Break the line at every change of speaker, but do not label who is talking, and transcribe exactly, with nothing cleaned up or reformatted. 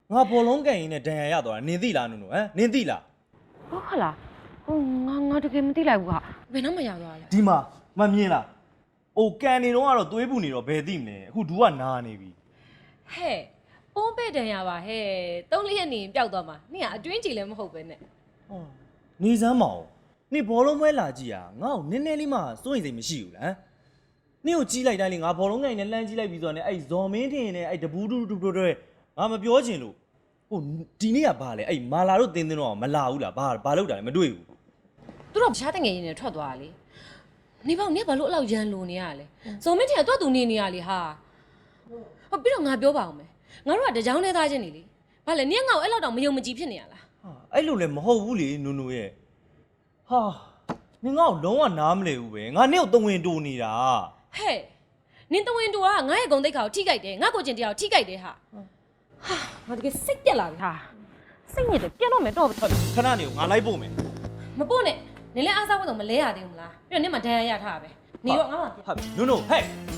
ငါဘောလုံးကန်ရင်းနဲ့ဒဏ်ရာရသွားတာနင်သိလားနုနုဟမ်နင်သိလား
ဟုတ်ခလားဟိုငါငါတကယ်မသိလိုက်ဘူးဟာဘယ်တော့မှရောက်သွားလဲ
ဒီမှာမမြင်လားအိုကန်နေတော့ကတော့သွေးပူနေတော့ဘယ်သိမလဲအခုဒူကနာနေပြီ
ဟဲ့ပုံးပဲ့တန်ရပါဟဲ့သုံးလေးရက်နေပျောက်သွားမှာနင်ကအတွင်းကြည်လည်းမဟုတ်ပဲနဲ့
ဟောနေစမ်းမအောင်နင်ဘောလုံးပွဲလာကြည့်ရငါ့ကိုနည်းနည်းလေးမှစိုးရိမ်စိတ်မရှိဘူးလားနင်ကိုကြီးလိုက်တိုင်းလေငါဘောလုံးကန်ရင်းနဲ့လှမ်းကြည့်လိုက်ပြီးဆိုတော့ねအဲ့ဇော်မင်းထင်နဲ့အဲ့တပူးတူတူတူတွေငါမပြောချင်လို့ဟိုဒီနေ့ကဘာလဲအဲ့မာလာတို့တင်းတင်းတော့မလာဘူးလားဘာဘာလုပ်တာလဲမတွေ့ဘူး
သူတို့ရှားတငယ်ရင်းနဲ့ထွက်သွားတာလေနေပေါ့နေဘာလို့အဲ့လောက်ရန်လိုနေရလဲဇုံမင်းထင်ကတော့သူနေနေရလေဟာဟောပြီးတော့ငါပြောပါအောင်မယ်ငါတို့ကတကြောင်နဲ့သားချင်းနေလေဘာလဲနင်ကငါ့ကိုအဲ့လောက်တောင်မယုံမကြည်ဖြစ်နေရလား
ဟာအဲ့လိုလည်းမဟုတ်ဘူးလေနုနုရဲ့ဟာနင်ငါ့ကိုလုံးဝနားမလဲဘူးပဲငါနင့်ကိုတဝင်တူနေတာ
ဟဲ့နင်တဝင်းတူကငါရဲ့ဂုံတိတ်ခါကိုထိကြိုက်တယ်ငါကိုကျင်တရားကိုထိကြိုက်တယ်ဟာဟာငါတကယ်စိတ်ပြက်လာပြီဟာစိတ်ညစ်တယ်ပြက်တော့မယ်တော့
ခဏနေကိုငါလိုက်ပို့မယ်
မပို့နဲ့နင်လည်းအားစားဖို့တော့မလဲရသေးဘူးမလားပြီးတော့နင်မှဒဏ်ရာရထားတာပဲနေတော့ငါမှပြက်
ဟာနုနုဟဲ့